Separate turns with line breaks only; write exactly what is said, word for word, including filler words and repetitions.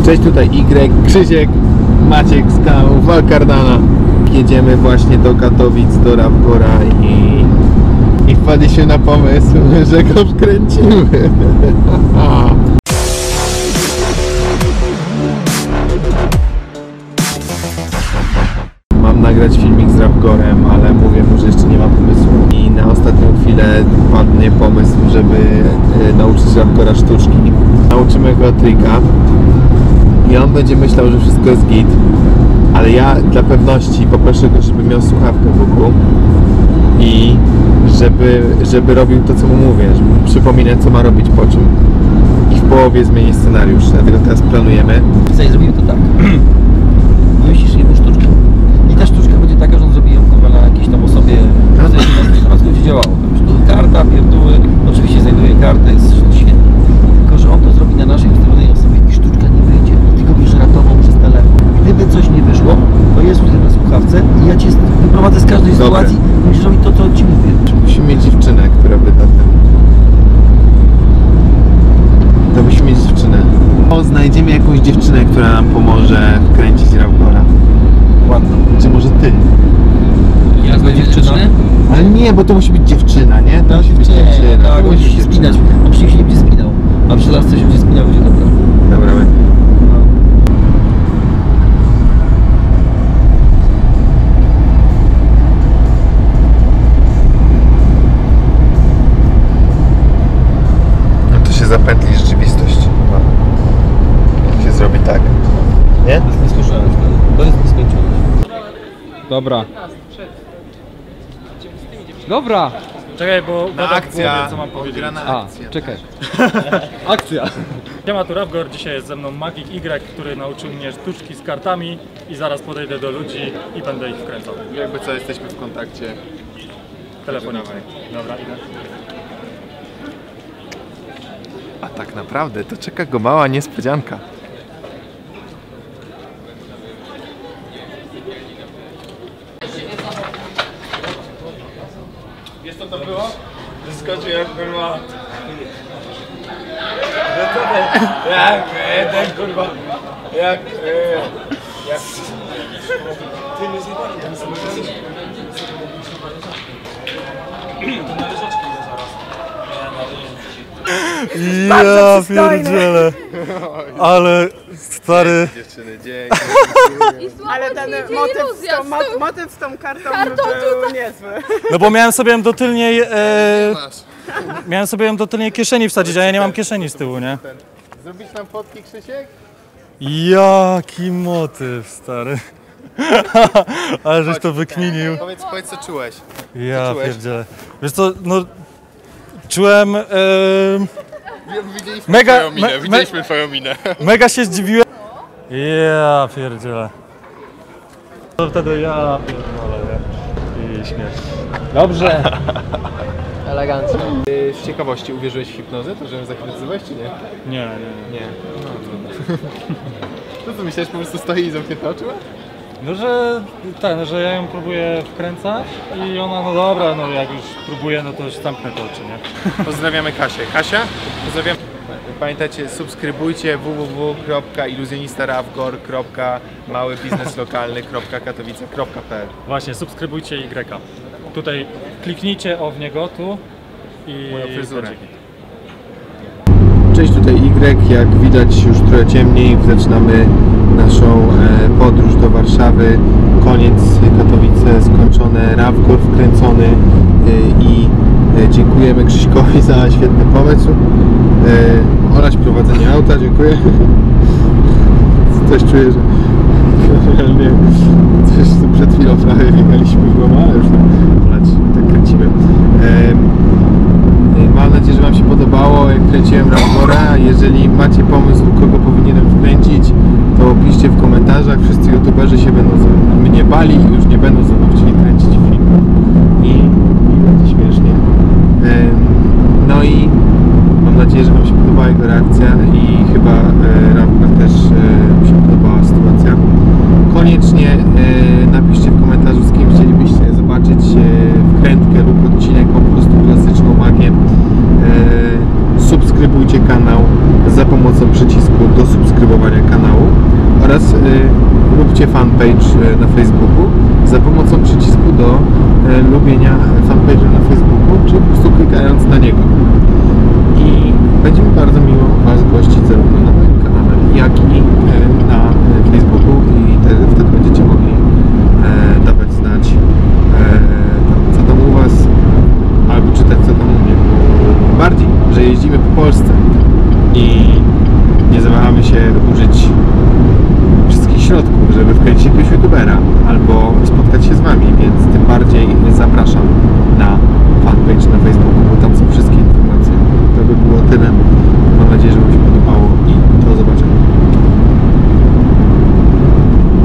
Cześć, tutaj Y, Krzysiek, Maciek z kanału Valcardana. Jedziemy właśnie do Katowic, do Ravgora i, i wpadliśmy na pomysł, że go wkręcimy. Mam nagrać filmik z Ravgorem, ale mówię mu, że jeszcze nie mam pomysłu. I na ostatnią chwilę padnie pomysł, żeby y, nauczyć Ravgora sztuczki. Nauczymy go trika i on będzie myślał, że wszystko jest git. Ale ja dla pewności poproszę go, żeby miał słuchawkę w uchu i żeby, żeby robił to, co mu mówię, żeby przypominać, co ma robić po czym. I w połowie zmieni scenariusz, dlatego teraz planujemy.
Tutaj zrobimy to tak. Myślisz jedną sztuczkę. I ta sztuczka będzie taka, że on zrobi ją na jakiejś tam osobie, no to jest będzie działało. Karta, pierdóły, oczywiście znajduje kartę, jest świetnie. Tylko że on to zrobi na naszej ustawionej osobie i sztuczka nie wyjdzie. Ty go będziesz ratował przez telefon. Gdyby coś nie wyszło, to jest tutaj na słuchawce i ja cię wyprowadzę z każdej
Dobre.
sytuacji i musisz robić to, co ci mówię.
Musimy mieć dziewczynę, która by da ten... To musimy mieć dziewczynę. O, znajdziemy jakąś dziewczynę, która nam pomoże wkręcić Ravgora.
Ładno.
Czy może ty?
Ja będzie dziewczyna?
Ale nie, bo to musi być dziewczyna, nie? To musi być dziewczyna.
Tak,
To
on
musi
musi
być
się spinać.
dziewczyna.
On przy się nie będzie spinał. A przy lasce się będzie spinał, będzie dobra.
Dobra, my. No to się zapętli rzeczywistość. Jak się zrobi tak. Nie?
To jest nieskończoność. To jest nieskończoność.
Dobra. Dobra!
Czekaj, bo
Na
gada w
akcja.
głowie, co mam powiedzieć.
Odgrana
A,
akcja.
czekaj. Akcja!
Siema, tu Ravgor, dzisiaj jest ze mną Magic Y, który nauczył mnie sztuczki z kartami i zaraz podejdę do ludzi i będę ich wkręcał.
Jakby co, jesteśmy w kontakcie
Telefonicznie. Dobra, idę.
A tak naprawdę to czeka go mała niespodzianka. Wiesz co to było? Wyskoczył jak kurwa. Jak jeden kurwa. Jak... Jak... Ty nie zjebali.
Ja pierdzielę, ale stary,
Dziewczyny, dzięki.
Ale ten motyw z, tą, mot, motyw z tą kartą, kartą był niezły.
no bo miałem sobie ją do tylniej, e, miałem sobie ją do tylniej kieszeni wsadzić, a ja nie mam kieszeni z tyłu, nie?
Zrobić nam fotki, Krzysiek?
Jaki motyw, stary. Ale żeś to wykminił.
Powiedz, powiedz co czułeś.
Ja
czułeś?
pierdzielę. Wiesz co, no czułem, e,
Widzieliśmy
Mega-
twoją minę,
me-
widzieliśmy twoją minę.
mega się zdziwiłem. Ja pierdzielę. To wtedy ja pierdolę, nie? I śmiech. Dobrze.
Elegancko.
Z ciekawości uwierzyłeś w hipnozę? To, że ją zahipnotyzowałeś, czy nie?
Nie, nie, nie.
Nie. No, no. To co, myślałeś, po prostu stoi i zamknięte oczy?
No, że ten, że ja ją próbuję wkręcać i ona, no dobra, no jak już próbuję, no to już zamknę te oczy, nie?
Pozdrawiamy Kasię. Kasia? Pozdrawiam. Pamiętajcie, subskrybujcie w w w kropka iluzjonistaravgor kropka małybizneslokalny kropka katowice kropka p l.
Właśnie, subskrybujcie Y. Tutaj kliknijcie o w niego tu i
Moją fryzurę.
będzie git.
Cześć, tutaj Y. Jak widać już trochę ciemniej, zaczynamy naszą e, podróż do Warszawy. Koniec, Katowice skończone, Ravgor wkręcony e, i e, dziękujemy Krzyśkowi za świetny pomysł. E, oraz prowadzenie auta, dziękuję. Coś czuję, że realnie coś przed chwilą prawie biegaliśmy w głowę, ale już tak, tak kręcimy. E, Mam nadzieję, że Wam się podobało, jak kręciłem Ravgora. Jeżeli macie pomysł, kogo powinienem wkręcić, to piszcie w komentarzach. Wszyscy youtuberzy się będą ze mnie bali i już nie będą ze mną chcieli kręcić filmów. I, i będzie śmiesznie. No i mam nadzieję, że Wam się podobała jego reakcja i chyba e, Ravgor też e, mi się podobała sytuacja. Koniecznie e, napiszcie w komentarzu, z kim chcielibyście zobaczyć e, wkrętkę lub odcinek po prostu klasyczną magię. E, subskrybujcie kanał za pomocą przycisku do subskrybowania kanału. lubcie fanpage na Facebooku za pomocą przycisku do lubienia fanpage'a na Facebooku, czy po prostu klikając na niego. I będzie mi bardzo miło Was gościć zarówno na moim kanale, jak i na Facebooku i te, wtedy będziecie mogli e, dawać znać e, co tam u Was, albo czytać co tam u mnie. Bardziej, że jeździmy po Polsce i nie zawahamy się użyć wszystkich środków, żeby wkręcić jakiegoś youtubera.